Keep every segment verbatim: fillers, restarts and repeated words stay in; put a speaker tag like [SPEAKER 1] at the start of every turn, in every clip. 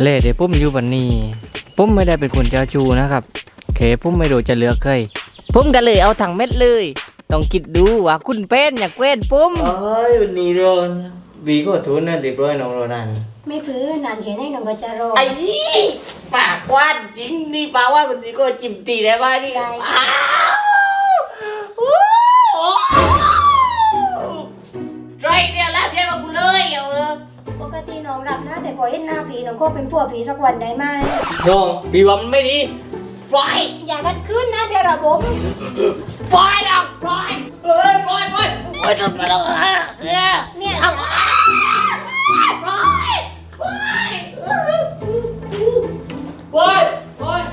[SPEAKER 1] เล่เดี๋ยวปุ้มอยู่บันนี้ปุ้มไม่ได้เป็นคนเจ้าชู้นะครับเคปุ้มไม่รู้จะเลือกใครปุ้มก็เลยเอาถังเม็ดเลยต้องคิดดูว่าคุณเป็นอยากเว้นปุ้มเอ้ยวันนี้โรนบีก็ทุนนะเรียบร้อยน้องโรนัน
[SPEAKER 2] ไม่พื้นนานแค่ไหนน้องก็จะรอ
[SPEAKER 1] ไอ้ปากกว้านจริงนี่ปากว่าวันนี้ก็จิ้มตีได้ไหมนี่ได้ไรเนี่ยรับเยอะมากูเลยเออ
[SPEAKER 2] ปกติน้องรับนะแต่พอเห็นหน้าผีน้องก็เป็นผัวผีสักวันได้ไหม
[SPEAKER 1] น้องบีว่ามันไม่ดีปล่อย
[SPEAKER 2] อย่ากัดขึ้นนะเดี๋ยวระบบ
[SPEAKER 1] ปล่อยน้องปล่อยเอ้ยปล่อยปล่อยปล่อยปล่อยเนี่ย
[SPEAKER 2] เนี่ย
[SPEAKER 1] ปล่อยปล่อยปล่อยปล่อยปล่อย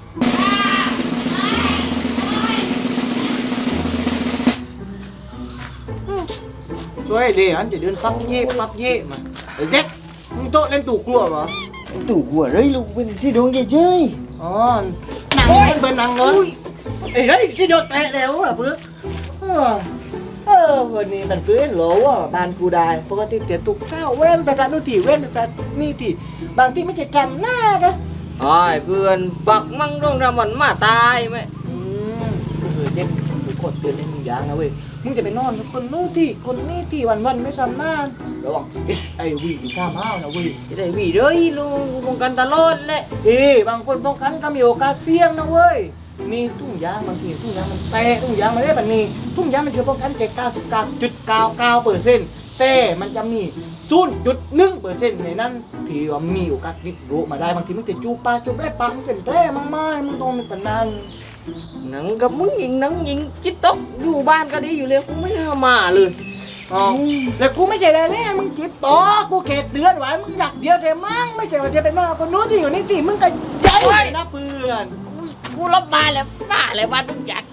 [SPEAKER 3] ช่วยดิอันจะเดินฟักเย่ฟักเย่มาไอ้เด็กมึงโต๊ะเล่นตู่กลัวเหรอ
[SPEAKER 1] ตู่กลัวเลยลูกเป็นที่ดวงเฉย
[SPEAKER 3] ๆอ๋อหนังมันเป็นหนังเหรอไอ้เฮ้ยที่โดนแตะแล้วอ่ะเพื่อเออวันนี้มันเพื่อนหรอว่าบ้านกูได้ปกติเตี๋ยตุกข้าวเว้นไปร้านนู้นที่เว้นไปร้านนี่ที่บางที่ไม่ใช่จำหน้านะ
[SPEAKER 1] ไอ้เพื่อนปักมั่งต้องทำมันมาตายไหม
[SPEAKER 3] อืมก็คือเด็กกูกดเตือนในมึงอย่างนะเว้ยมึงจะไปนอนกับคนนู้นที่คนนี้ที่วันวันไม่จำหน้าระวัง เอส ไอ วี อยู่ข้ามห้าวนะเว้ย
[SPEAKER 1] จะได้วีเลยลูกป้องกันตลอดเลย
[SPEAKER 3] เอ้บางคนป้องกันก็มีโอกาสเสี่ยงนะเว้ยมีทุ่งยางบางทีทุ่งยางมันแตกทุ่งยางมันได้แบบนี้ทุ่งยางมันช่วยป้องกันแค่เก้าสิบเก้าจุดเก้าเก้าเปอร์เซ็นต์แต่มันจะมีศูนย์จุดหนึ่งเปอร์เซ็นต์ในนั้นที่ว่ามีโอกาสติดโรคมาได้บางทีมันจะจูปลาจูได้ปลามันเป็นแร่มากๆมึงต้องมีปนัน
[SPEAKER 1] หนังกับมึงยิงหนังยิงจิ๊ตกอยู่บ้านก็ดีอยู่เลยกูไม่น่ามาเลย
[SPEAKER 3] อ๋อแล้วกูไม่ใช่แน่ๆมึงจิตต่อกูเขตเตือนไว้มึงอยากเดียวแต่มั่งไม่ใช่ว่าจะเป็นมากคนนู้นที่อยู่นี่ที่มึงก็ใจนะเพื่อน
[SPEAKER 1] กูลบมาแล้วหน้าอะไรบ้านมึงจัด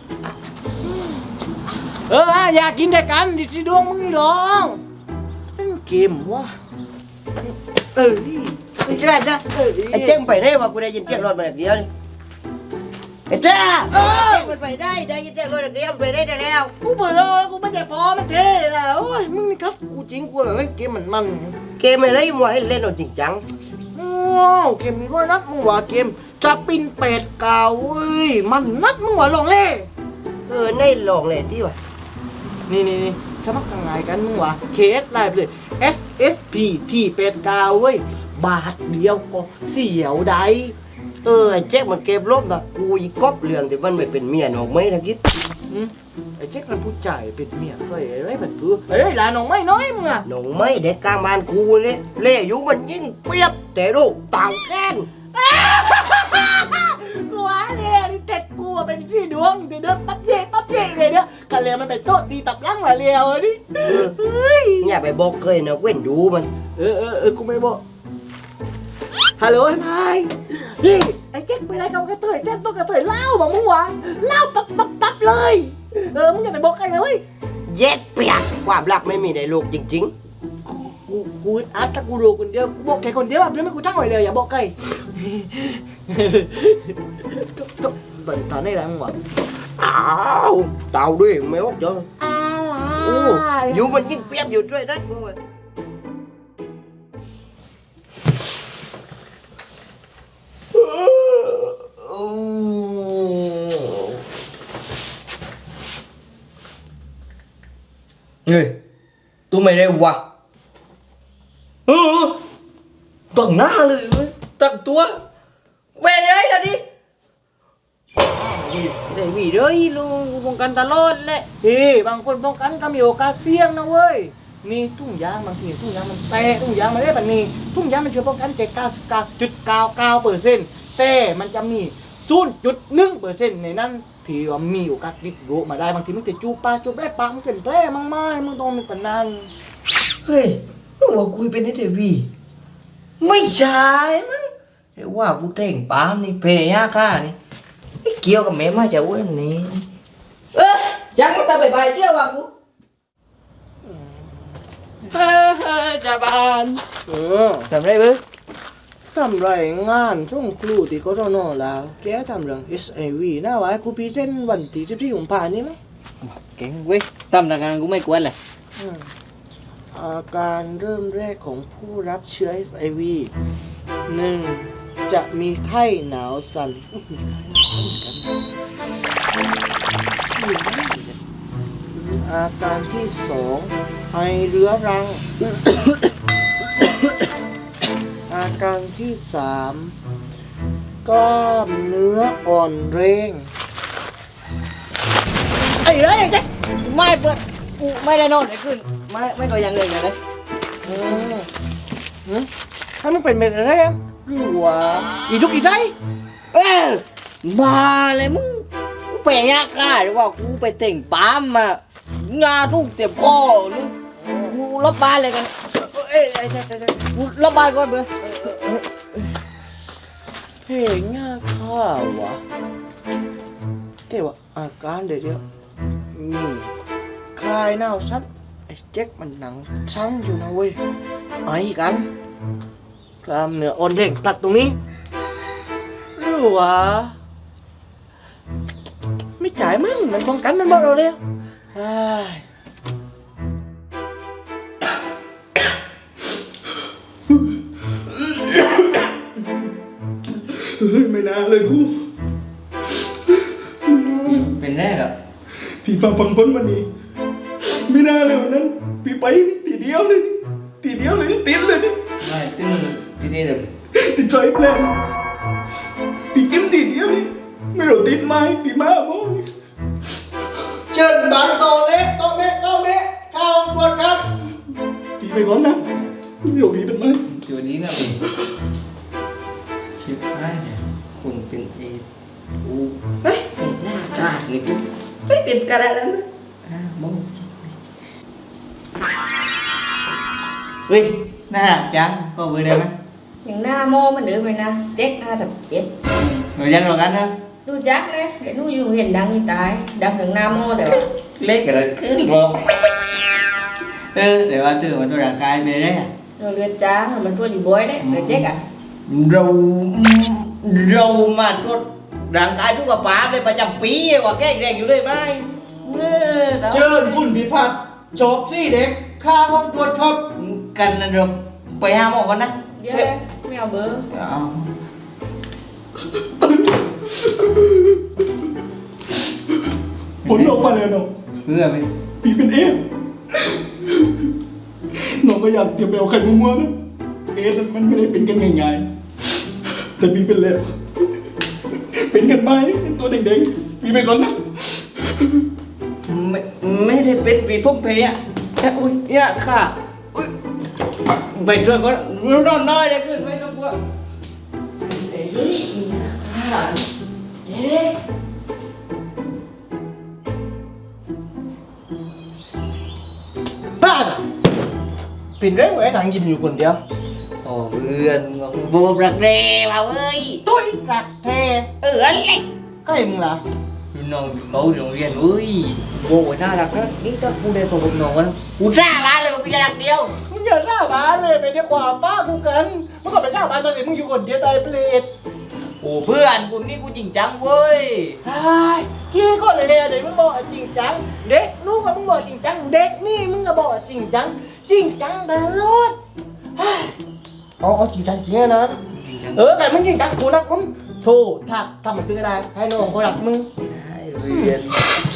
[SPEAKER 3] เอออยากกินด้วยกันดิสิดวงมึงนี่หรอเล่นเกมวะ
[SPEAKER 4] เออไม่ใช่นะไอ้เจ้งไปได้ว่ากูได้ยินเสียงรถมาแบบเดียวนี่ไอ้เจ้าเออมันไปได้ได้ยินเสียงรถแบบเดียวไปได้ได้แล้ว
[SPEAKER 3] กูเปิดรอกูไม่ได้พอมันเท่แล้วโอ้ยมึงนี่ครับกูจริงกูแบบเล่นเกมมันมัน
[SPEAKER 4] เกมอะไรมัวให้เล่นเอาจริงจัง
[SPEAKER 3] โอ้เกมนี้ว่านัดมึงว่าเกมจะปินเป็ดเก่าเว้ยมันนัดมึงว่าลองเล่
[SPEAKER 4] เออในลองเลยที่วะ
[SPEAKER 3] นี่นี่นี่สมัครทางไงกันมึงวะ เค เอส ไลน์ไปเลย เอฟ เอส พี ที่เป็ดเก่าเว้ยบาทเดียวก็เสียวได้
[SPEAKER 4] เออไอ้เจ๊กมันเก็บลบนะกูอีกบเรื่องที่มันไม่เป็นเมียน้องไม่ทักคิด
[SPEAKER 3] ไอ้เจ๊กมันผู้ใจเป็นเมียก็ไอ้ไรมันเพื่อไอ้ไรหลานน้องไม่น้อยมึงอะ
[SPEAKER 4] น้องไม่เด็กกลางบ้านกูเลยเล่อยู่มันยิ่งเปียบแต่ลูกต่างแก้น
[SPEAKER 3] กูว่าเลยนี่เต็ดกูเป็นพี่ดวงเดี๋ยวเดินปั๊บเย่ปั๊บเย่เลยเนี่ยกันเลยมันไปโต๊ะดีตับลังมาเลียวนี่
[SPEAKER 4] เนี่ยไปบอกเคยนะเว้นดูมัน
[SPEAKER 3] เออเออเออกูไม่บอกฮัลโหลไอ้ไม้นี่ไอ้เจ๊กไปไหนกับกระเทยเจ๊กต้องกระเทยเล่าบอกมึงวะเล่าปั๊บปั๊บปั๊บเลยเออมึงอย่าไปบอกใครเลย
[SPEAKER 4] เย็ดเปียกความรักไม่มีในโลกจริง
[SPEAKER 3] ๆกูกูอัดถ้ากูรู้คนเดียวกูบอกแค่คนเดียวแบบนี้ไม่กูตั้งไว้เลยอย่าบอกใครก็เป็นตอนนี้แหละมึงวะ
[SPEAKER 4] อ้าวเต่าด้วยไม่บอกจ้ะโอ้อยู่มันยิ่งเปียบอยู่ด้วยนะมึง
[SPEAKER 1] เฮ้ยตัวไม่ได้วะเออตั้งหน้าเลยเว้ยตั้งตัวเว้ยเลยล่ะดิได้วีเลยลูกป้องกันตลอดเลย
[SPEAKER 3] เฮ้บางคนป้องกันก็มีโอกาสเสี่ยงนะเว้ยมีทุ่งยางบางทีทุ่งยางมันแตกทุ่งยางมันได้แบบนี้ทุ่งยางมันช่วยป้องกันแค่เก้าสิบเก้าจุดเก้าเก้าเปอร์เซ็นต์แต่มันจะมีศูนย์จุดหนึ่งเปอร์เซ็นต์ในนั้นที่ว่ามีโอกาสติดโรคมาได้บางทีมันจะจูปลาจูได้ปลามันเป็นแร่มากๆมึงต้องมีปนัน
[SPEAKER 4] เฮ้ยมึงว่ากูเป็นไอ้เดวีไม่ใช่มั้งไอ้ว่ากูเต่งปามนี่เพย์ยาค่านี่ไอ้เกี่ยวกับแม่มาจากวันนี้เอ้ยจังมันจะไปไปเที่ยวว่ะกู
[SPEAKER 3] เฮ้ยจ่าบานเออ
[SPEAKER 1] ทำไรเบ้อ
[SPEAKER 3] ทำไรงานช่วงครูที่กศนแล้วแกทำเรื่อง เอส ไอ วี น่าไว้กูพรีเซนต์วันที่สิบสี่กุมภาพันธ์นี้มั้ย
[SPEAKER 1] เก่งเว้ยทำงานกูไม่กวนเลย
[SPEAKER 3] อาการเริ่มแรกของผู้รับเชื้อ เอส ไอ วีหนึ่งจะมีไข้หนาวสั่นอุ๊ยมีไข้หนาวสั่นกันอยู่ได้เนี่ยอาการที่สองไอเรื้อรัง อาการที่สามกล้ามเนื้ออ่อนแรงไอ้เอ้ยเจ๊ไม่เปิดกูไม่ได้นอนไอ้ขึ้นไม่ไม่ตัวยังเลยไงเลยเออหืมถ้ามันเป็นเม็ดอะไรอ่ะหรือว่าอีทุกอีใจเออมาเลยมึงกูไปยากล้าหรือว่ากูไปเต่งปั๊มอ่ะงาทุกเต็มคอลูกกูรับบ้านเลยกันเอ้ยไอ้ไอ้ไอ้กูรับบ้านก่อนเบอร์เฮ้ยง่าข้าวะแต่ว่าอาการเดี๋ยวเดี๋ยวนี่คลายหนาวสั้นไอ้เจ๊กมันหนังสั้นอยู่นะเว้ยไอ้กันกล้ามเนื้ออ่อนแรงตัดตรงนี้หรือวะไม่จ่ายมั้งมันป้องกันมันบอกเราแล้วไอ้ไม่น่าเลยกู
[SPEAKER 1] เป็นแรกอ่ะ
[SPEAKER 3] พี่มาฟังพ้นวันนี้ไม่น่าเลยวันนั้นพี่ไปนี่ตีเดียวเลยนี่ตีเดียวเลยนี่ติดเลยนี่
[SPEAKER 1] ไม่ตึ้งที่นี่เลย
[SPEAKER 3] ติดใจแปลนพี่จิ้มตีเดียวนี่ไม่รู้ติดไหมพี่มาโม้นี่เชิญบางโซเล็กโต๊ะเล็กโต๊ะเล็กข้าวบวชครับพี่ไปก่อนนะเดี๋ยวพี่เป็นไหม
[SPEAKER 1] ตัวนี้นะพี่ชิบหายเนี่ยคุณเป็นเอดกูเฮ้ยเป็นหน้ากาดเลยกูไม่เป็นกระดานนั้นอ่าบ้องเฮ้ยน่ารักจังก็เบอร์ได้ไหม
[SPEAKER 2] อย่างหน้าโมมันเดือไปนะเจ๊กห้าทับเจ็ด
[SPEAKER 1] หนูยังหรอกันนะ
[SPEAKER 2] ดูจักเลยเดี๋ยวดูอยู่เห็นดังนี่ตายดังถึงหน้าโมแต่ว่า
[SPEAKER 1] เล็กกันขึ้นลงเออเดี๋ยวว่าตื่นมาตัวร่างกายไปได้อะ
[SPEAKER 2] เราเลือดจ้ามันทั่วอยู่บ่อยđấyเลือดเจ๊กอ่ะ
[SPEAKER 1] เราเรามาตรวจร่างกายทุกกระป๋าเลยประจำปีกว่าแก้แรงอยู่เลยไหมเออ
[SPEAKER 3] เชิญคุณพิพัฒน์จบสี่เด็กข้าห้องตรวจครับ
[SPEAKER 1] กันนะเราไปหาหมอกันนะ
[SPEAKER 2] เดี๋ยวเลยไม่เอาเบอร์
[SPEAKER 1] เอา
[SPEAKER 3] ผลออกมาแล้วเนาะ
[SPEAKER 1] เพื่อไหม
[SPEAKER 3] พี่เป็นเอฟน้องก็อยากเตรียมไปเอาไข่มัวๆนะเอฟมันไม่ได้เป็นกันง่ายๆแต่พี่เป็นแล้วเป็นกันไหมเป็นตัวเด็กๆพี่ไปก่อนนะ
[SPEAKER 1] ไม่ไม่ได้เป็นปีพุ่มเพยอ่ะแค่อุ้ยเนี่ยค่ะอุ้ยไปช่วยก็รู้นอนน้อยได้ขึ้นไหมครับว่าเอ้ยค่ะเจ๊
[SPEAKER 3] บ้าน่ะเป็นเรื่องไว้นางยินอยู่คนเดียว
[SPEAKER 1] โอ้เพื่อนบูบรักเร่มาเว้ย
[SPEAKER 3] ตุ้ยรักแท้
[SPEAKER 1] เอออะไร
[SPEAKER 3] ใกล้มึงล่ะ
[SPEAKER 1] รุ่นน้องเขาโรงเรียนเว้ยโว้ยน่ารักนะนี่ถ้ากูได้พบกับน้องกันกูจ้าบ้านเลยว่ากูจะรักเดียว
[SPEAKER 3] มึงอย่าหน้าบ้านเลยไปดีกว่าป้ากูกันเมื่อก่อนไปหน้าบ้านตอนนี้มึงอยู่คนเดียวตายเปรต
[SPEAKER 1] โอ้เพื่อนกูนี่กูจริงจังเว้ย
[SPEAKER 3] ไอ้กี้ก็เลยเลยเด็กมึงบอกว่าจริงจังเด็กลูกอะมึงบอกจริงจังเด็กนี่มึงก็บอกว่าจริงจังจริงจังตลอดเฮ้ยเอาเอาจริงจังจริงนะ
[SPEAKER 1] จริงจัง
[SPEAKER 3] เออแต่มึงจริงจังกูรักมึงโธ่ถ้าทำมันเป็นอะไรให้น้องเขารักมึง
[SPEAKER 1] ได้เรียน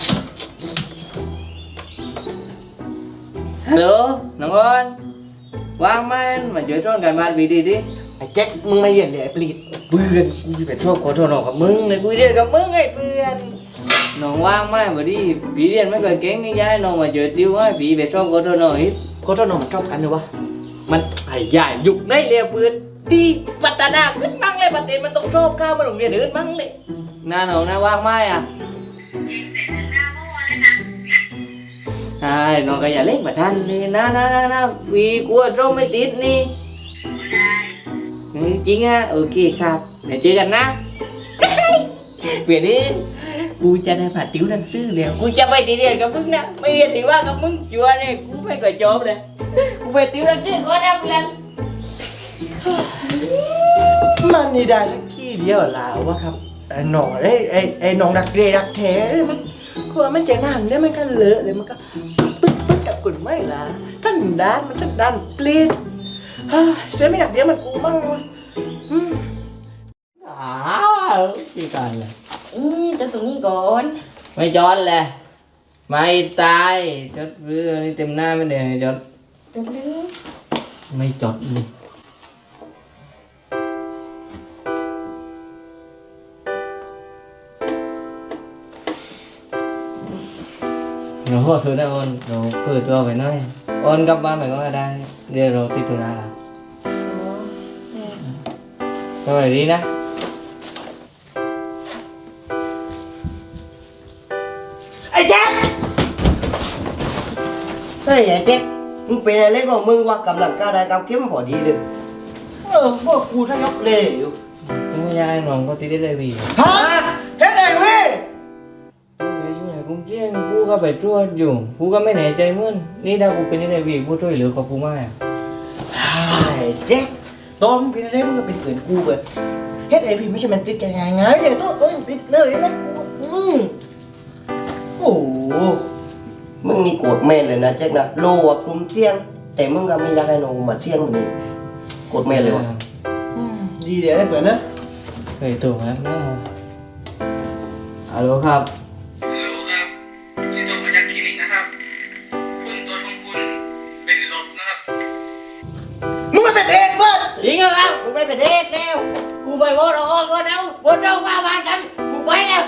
[SPEAKER 1] ฮัลโหลน้องอ้อนว่างไหมมาช่วยช่วยกันบ้านวีดีดิ
[SPEAKER 3] ไอ้แจ็คมึงไม่เรียนเดี๋ยวไอ้ปลีด
[SPEAKER 1] เพื่อนกูจะไปโทษขอโทษน้องกับมึงเลยกูเรียนกับมึงไอ้เพื่อนน้องว่างไหมมาดิพี่เรียนไม่เคยเก่งนี่ย้ายน้องมาเจอติวให้พี่ไปช่วยขอโทษน้องอีก
[SPEAKER 3] ก็เจ้าน้องมันชอบกันเลยวะ
[SPEAKER 1] มันไอ้ใหญ่ยุคในเรียเปืนดีพัฒนาขึ้นมั่งเลยประเทศมันต้องชอบข้าวมาโรงเรียนอื่นมั่งเลยหน้าหนองหน้าว่างไหมอ่ะใช่น้องก็อย่าเล่นแบบนั้นเลยนะนะนะนะวีกลัวร่มไม่ติดนี่จริงอ่ะโอเคครับเดี๋ยวเจอกันนะเปลี่ยนนี้กูจะได้ผ่านติวหนังสือแล้วกูจะไปตีเรียนกับมึงนะไม่เรียนถือว่ากับมึงชัวร์เลยกูไม่เคยจบเลยกูไปติวหนังสือก็ได้เพื่อน
[SPEAKER 3] มันนี่ได้สักขี้เดียวลาวะครับไอ้หนองไอ้ไอ้ไอ้หนองรักเรรักแท้มันคือมันจะนั่นเนี่ยมันก็เลอะเลยมันก็ปึ๊ดปึ๊ดกับกุ่นไม่ละท่านด้านมันท่านด้านปลีดเฮ้ยเสียไม่หนักเดียวมันกูมั่งวะ
[SPEAKER 1] อ้าวกี่การเลย
[SPEAKER 2] อืมจะตรงนี้ก่อน
[SPEAKER 1] ไม่จอดเลยไม่ตายจดเรือนี่เต็มหน้าไม่ได้จด
[SPEAKER 2] จดเลย
[SPEAKER 1] ไม่จดนี่เราพอซื้อได้โอนเราเปิดตัวไปหน่อยโอนกลับบ้านไปก็ได้เดี๋ยวเราติดธุระละ
[SPEAKER 2] อ๋อเนี่ย
[SPEAKER 1] สวัสดีนะ
[SPEAKER 4] ไอ้แจ๊คเฮ้ยไอ้แจ๊คมึงเป็นอะไรของมึงวะกำลังก้าวได้ก้าวเข้มพอดีเลยเออพวกกูถ้ายกเลยอยู่
[SPEAKER 1] กูไม่อยากให้น้องก็ติดได้เลยพี่
[SPEAKER 4] ฮะเฮ็ดไงเว้ย
[SPEAKER 1] กูอยู่ในกรุงเทพกูก็ไปตรวจอยู่กูก็ไม่แน่ใจเหมือนนี่ถ้ากูเป็นได้พี่กูช่วยเหลือกับกูมาก
[SPEAKER 4] ไอ้แจ๊คตอนมึงเป็นอะไรมึงก็เป็นเกินกูเว้ยเฮ็ดไอ้พี่ไม่ใช่มันติดกันง่ายไงอย่างตัวตัวติดเลยนะกูอืมโอ้โหมึงนี่โกรธแม่นเลยนะแจ๊คนะโลว่ะกลุ่มเที่ยง แต่มึงก็ไม่อยากให้น้องมาเที่ยงมันนี่โกรธแม่นเลยวะอืมดีเดี๋ยวให้เปิดนะ
[SPEAKER 1] เคยตัวแล้วนะฮัลโหลครับ
[SPEAKER 5] ฮัลโหลครับที่โทรมาจากคลินิกนะครับคุณตัวจของคุณเป็นลบนะครับ
[SPEAKER 4] มึงไม่เป็นเองเพื่อน
[SPEAKER 1] จริงเหรอครับ
[SPEAKER 4] มึงไม่เป็นเองแล้ว
[SPEAKER 1] กูไปโบนออกก็เอาโบนเราว่าบ้านกันกูไปแล้ว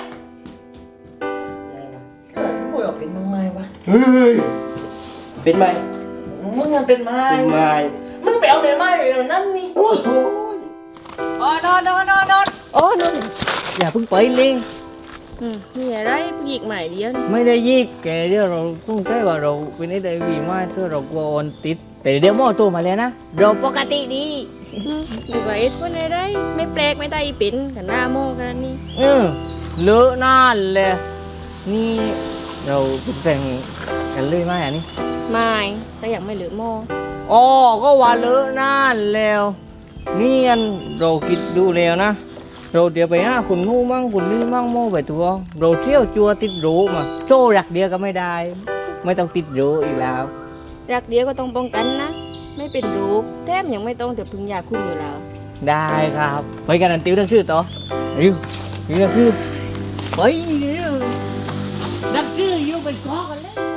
[SPEAKER 4] เกิดมึงบอกเป็นมึงไม่วะเฮ้ยเป็นไหมมึงยังเป็นไม้เป็นไม้มึงไปเอาไหนไม้เอานั่นนี่โอ้โห
[SPEAKER 1] อ๋อนอนนอนนอนนอนโอ้นอนอย่าเพิ่งไปเลย
[SPEAKER 2] อืมมีอะไรผู้หญิงใหม่เดียวนี่
[SPEAKER 1] ไม่ได้ยิกแกเดี๋ยวเราต้องใช้ว่าเราเป็นไอ้ได้วีมากเพื่อเรากลัวโอนติด แต่เดี๋ยวหมอตัวมาแล้วนะเราปกติดี
[SPEAKER 2] อืมหรือว่าเอ็ดคนอะไรไม่แปลกไม่ได้อีเป็นกันหน้าโมกันนี่
[SPEAKER 1] เออเลอะนานเลยนี่เราเป็นแฟนกันเลยไหมอันนี้
[SPEAKER 2] ไม่แต่ยังไม่เหลือโม
[SPEAKER 1] อ๋อก็ว่าเลอะนานแล้วนี่อันเราคิดดูแล้วนะเราเดี๋ยวไปหาคุณนู่นมั่งคุณนี่มั่งโม่ไปตัวเราเที่ยวจัวติดโรมาโซ่รักเดียวก็ไม่ได้ ไม่ต้องติดโรอีกแล้ว
[SPEAKER 2] รักเดียวก็ต้องป้องกันนะ ไม่เป็นโรคแถมยังไม่ต้องแต่พึ่งยาคุมอยู่แล้ว
[SPEAKER 1] ได้ครับไปกันอันติวทั้งชื่อต่อริวริวทั้งชื่อไปริวนักชื่ออยู่เป็นกอกันแล้ว